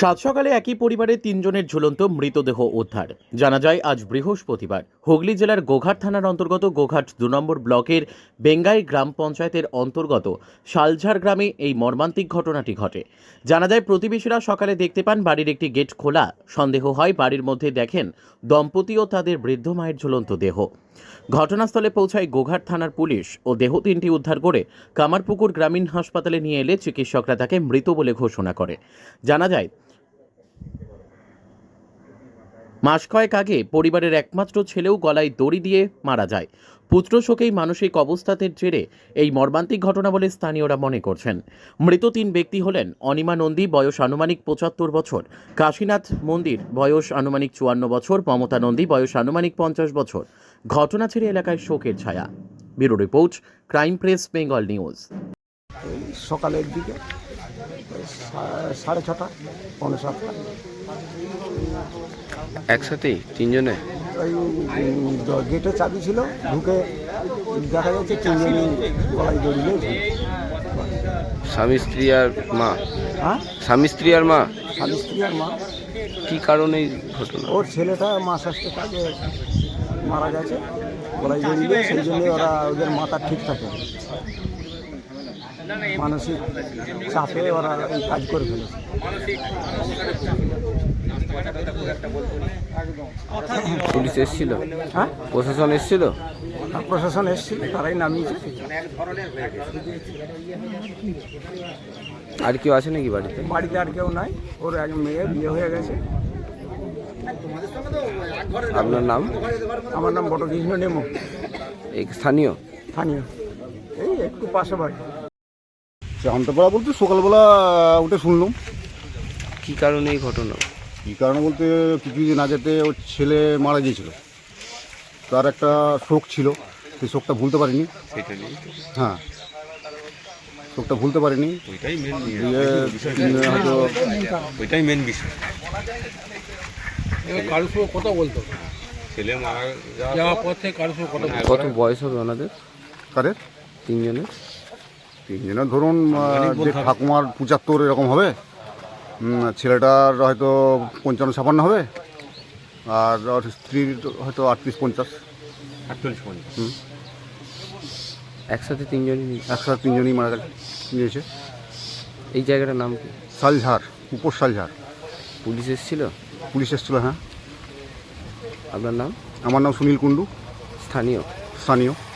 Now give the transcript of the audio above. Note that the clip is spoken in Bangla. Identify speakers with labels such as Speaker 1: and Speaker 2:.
Speaker 1: সাত সকালে একই পরিবারের তিনজনের ঝুলন্ত মৃতদেহ উদ্ধার। জানা যায় আজ বৃহস্পতিবার হুগলি জেলার গোঘাট থানার অন্তর্গত গোঘাট ২ নম্বর ব্লকের বেঙ্গাই গ্রাম পঞ্চায়েতের অন্তর্গত শালঝার গ্রামে এই মর্মান্তিক ঘটনাটি ঘটে। জানা যায় প্রতিবেশীরা সকালে দেখতে পান বাড়ির একটি গেট খোলা। সন্দেহ হয় বাড়ির মধ্যে দেখেন দম্পতি ও তাদের বৃদ্ধ মায়ের ঝুলন্ত দেহ। ঘটনাস্থলে পৌঁছায় গোঘাট থানার পুলিশ ও দেহ তিনটি উদ্ধার করে কামারপুকুর গ্রামীণ হাসপাতালে নিয়ে এলে চিকিৎসকরা তাকে মৃত বলে ঘোষণা করে। জানা যায় মাস কয়েক আগে পরিবারের একমাত্র ছেলেও গলায় দড়ি দিয়ে মারা যায়। পুত্র শোকেই মানসিক অবস্থাতের জেরে এই মর্মান্তিক ঘটনা বলে স্থানীয়রা মনে করছেন। মৃত তিন ব্যক্তি হলেন অনিমা নন্দী, বয়স আনুমানিক ৭৫ বছর, কাশীনাথ মন্দির, বয়স আনুমানিক ৫৪ বছর, মমতা নন্দী, বয়স আনুমানিক ৫০ বছর। ঘটনা ছেড়ে এলাকায় শোকের ছায়া। Bureau report, crime press, Bengal news.
Speaker 2: সকালের দিকে 6:30, 6:45
Speaker 3: একসাথেই তিনজনে
Speaker 2: ওই গেটে চাবি ছিল, ঢুকে দেখা যাচ্ছে তিনজনই গলায় দড়িয়ে ঝুলছে।
Speaker 3: স্বামী স্ত্রী আর মা।
Speaker 2: হ্যাঁ,
Speaker 3: স্বামী স্ত্রী আর মা।
Speaker 2: স্বামী স্ত্রী আর মা।
Speaker 3: কি কারণে এই ঘটনা?
Speaker 2: ওর ছেলেটা মাস আসতে কাজে মারা গেছে, গলায় দড়িয়ে, সেই জন্যে ওদের মাথা ঠিক থাকে, মানসিক চাপে ওরা এই কাজ করে ফেলেছে।
Speaker 3: পুলিশ এসেছিল?
Speaker 2: হ্যাঁ,
Speaker 3: প্রশাসন এসেছিল?
Speaker 2: প্রশাসন এসেছিল, তারাই নামিয়েছে।
Speaker 3: আর কেউ আছে নাকি বাড়িতে?
Speaker 2: বাড়িতে আর কেউ নাই, ওর এক মেয়ে বিয়ে হয়ে গেছে।
Speaker 3: আপনার নাম?
Speaker 2: আমার নাম বটকৃষ্ণ নেমো,
Speaker 3: এই স্থানীয়?
Speaker 2: স্থানীয়, এই একটু পাশে বাড়ি।
Speaker 4: জানতে পারা বলতে সকালবেলা উঠে শুনলাম।
Speaker 3: কি কারণে এই ঘটনা?
Speaker 4: কী কারণে বলতে কিছুদিন আগেতে ওর ছেলে মারা গিয়েছিল, তার একটা শোক ছিল, সেই শোকটা ভুলতে পারিনি। হ্যাঁ, শোকটা ভুলতে পারিনি। হয়তো
Speaker 5: ওইটাই মেন বিষয়।
Speaker 6: কারোর সঙ্গে কথা বলতো,
Speaker 5: ছেলে মারা
Speaker 6: যাওয়ার পর থেকে কারোর সঙ্গে কথা বলতো।
Speaker 3: কত বয়স হবে ওনাদের
Speaker 4: কারের
Speaker 3: তিনজনের?
Speaker 4: তিনজনের ধরুন যে ঠাকুমার ৭৫ এরকম হবে, ছেলেটার হয়তো ৫৫-৫৬ হবে, আর ওর স্ত্রীর হয়তো ৩৮-৫০।
Speaker 3: একসাথে তিনজনই?
Speaker 4: একসাথে তিনজনই মারা গিয়েছে।
Speaker 3: এই জায়গাটার নাম কি?
Speaker 4: শালঝার, উপর শালঝার।
Speaker 3: পুলিশ এসেছিল?
Speaker 4: পুলিশ এসেছিল, হ্যাঁ।
Speaker 3: আপনার নাম?
Speaker 4: আমার নাম সুনীল কুণ্ডু,
Speaker 3: স্থানীয়?
Speaker 4: স্থানীয়।